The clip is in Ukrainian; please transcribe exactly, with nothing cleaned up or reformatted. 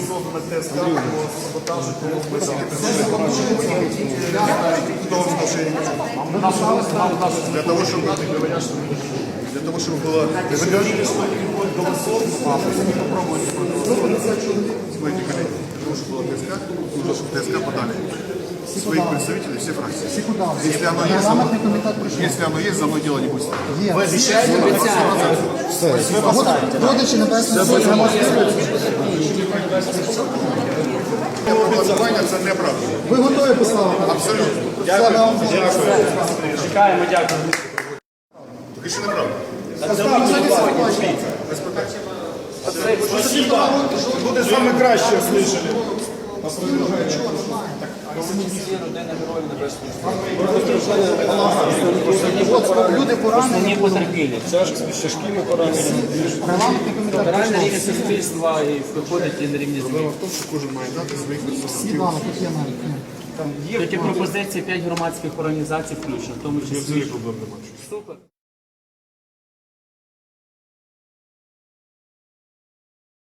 создана ТСК по саботажу, по для того, чтобы для того, чтобы было... Вы говорили, что не будет голосов, а вы не попробуете. Смотрите, коллеги, для того, чтобы было ТСК, нужно, чтобы ТСК подали своих представителей, все фракции. Если оно есть, за мной, если оно есть, за мной дело не будет. Вы обещаете? Родичі Небесної Сотні. Голосування – це неправда. Ви готові поставити? Абсолютно. Дякую. Чекаємо, дякую. Тільки що неправда. Буде саме краще слышали. Люди поранені. Не потерпілі. Тяжкими пораненнями. Регламентний комітет Каральне рівень суспільства і виходить і на рівні Проблема змін. в тому, що кожен має дати своїх представників. Світлана, тут є навіть. Тоді пропозиції п'ять громадських організацій включно, в тому числі. Взагалі проблем немає. Супер.